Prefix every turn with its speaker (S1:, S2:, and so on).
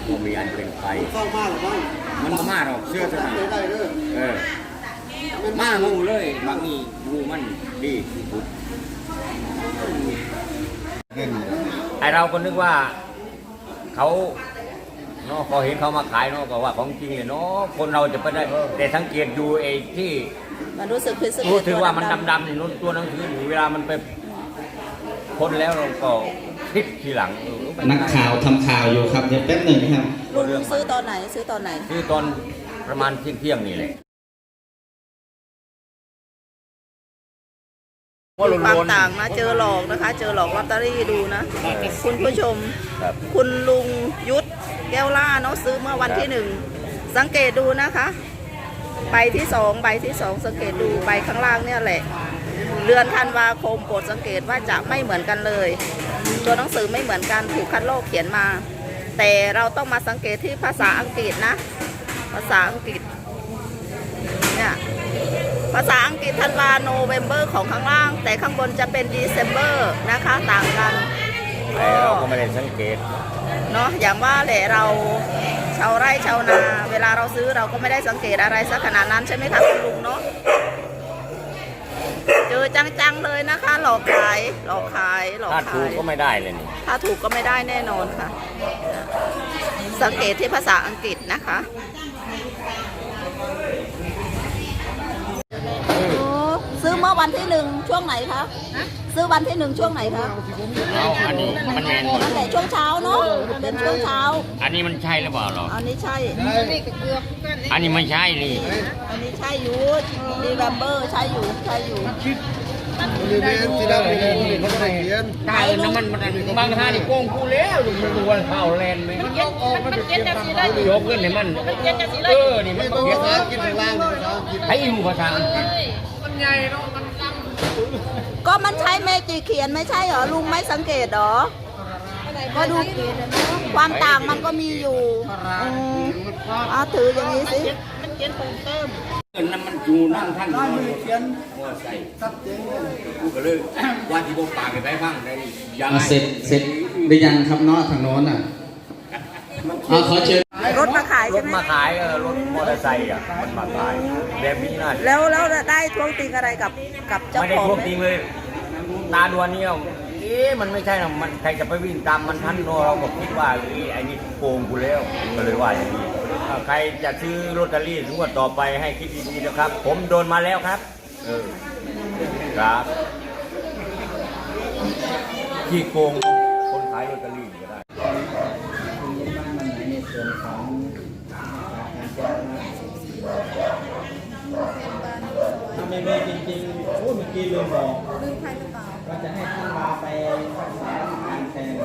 S1: ก็มีอันเป็นไป
S2: เข้ามาหรือบ้าง
S1: มันก็มาหรอกเชื่อเถอะ
S2: ได้เด้อ
S1: มางูเลยบางนี่งูมันดีสุดไอเราก็นึกว่าเขาเนาะพอเห็นเขามาขายเนาะก็ว่าของจริงเลยเนาะคนเราจะไปได้แต่สังเกตดูไอ้ที่
S3: มันรู้สึกพิเศษ
S1: รู้ถึงว่ามันดำๆนี่นู้นตัวหนังสือเวลามันไปพ้นแล้วเราก็คิดทีหลัง
S4: นักข่าวทำข่าวอยู่ครับเดี๋ยวแป๊บหนึ่งครับ
S3: ลุงซื้อตอนไหนซื้อตอนไหน
S1: ซื้อตอนประมาณเที่ยงนี่แหละ
S3: ความต่างนะเจอหลอกนะคะเจอหลอกลอตเตอรี่ดูนะคุณผู้ชมคุณลุงยุทธแก้วล่าเนาะซื้อเมื่อวันที่1สังเกตดูนะคะใบที่2สังเกตดูใบข้างล่างเนี่ยแหละเดือนธันวาคมโปรดสังเกตว่าจะไม่เหมือนกันเลยตัวหนังสือไม่เหมือนกันถูกคัดลอกเขียนมาแต่เราต้องมาสังเกตที่ภาษาอังกฤษนะภาษาอังกฤษเนี่ยภาษาอังกฤษธันวาโนเวมเบอร์ของข้างล่างแต่ข้างบนจะเป็นดีเซมเบอร์นะคะต่างกัน
S1: เราก็ไม่ได้สังเกต
S3: เนาะอย่างว่าแหละเราชาวไร่ชาวนาเวลาเราซื้อเราก็ไม่ได้สังเกตอะไรสักขนาดนั้นใช่ไหมคะคุณลุงเนาะเจอจังๆเลยนะคะหลอกขาย
S1: ถ้าถูกก็ไม่ได้เลยนี่
S3: ถ้าถูกก็ไม่ได้แน่นอนค่ะสังเกตที่ภาษาอังกฤษนะคะซื้อเมื่อวันที่1ช่วงไหนคะซื้อวันที่1ช่วงไหนคะ
S1: อันนี้มันแมน
S3: ตั้งแต่ช่วงเช้าเนาะเป็นช่วงเช้า
S1: อันนี้มันใช่หรือเปล่าหรอ
S3: อันนี้ใช่
S1: อันนี้ไม่ใช่นี่
S3: อันนี้ใช่อยู่ดีแวมเบอร์ใช่อยู่
S1: ตายน้ำมันบางท่านี่โกงกูแล้วมันดูวันเผาแลนไหมมันเก็ตจะสีเลยยกเงินให้มันนี่มันเก็ตกินข้างล่างให้อยู่ภาษาอังกฤษมันใหญ่เนาะมันด
S3: ำก็มันใช้เมจิเขียนไม่ใช่เหรอลุงไม่สังเกตหรอก็ดูความต่างมันก็มีอยู่ถืออย่างนี้สิมันเขียนเพิ่มเติม
S1: นั่นมันอยู่นั่งท่านเขียนว่าใส่ตัดเจงกูก็เลยว่าที่พวกปากไปบ้างได้
S4: ยังเสร็จหรือยังครับเนาะทางโน้นขอเชิญ
S3: รถมาขาย
S1: รถมาขายรถมอเตอร์ไซค์มันมาขายแบบนี้น่า
S3: แล้วได้ทวงติงอะไรกับเจ้าของ
S1: ไม่ได้ทวงติงเลยตาดวนนี่มันไม่ใช่หรอกมันใครจะไปวิ่งตามมันทันเราก็คิดว่าไอ้นี่โกงกูแล้วก็เลยว่าอย่างนี้ใครจะซื้อลอตเตอรี่งวดต่อไปให้คิดดีๆนะครับผมโดนมาแล้วครับครับที่โกงคนขายลอตเตอรี่ก็ได้ในส่วนของถ้าไม่มีจริงๆเมื่อกี้ลืมบอกว่าจะให้ท่านมาไปรักษาการแทน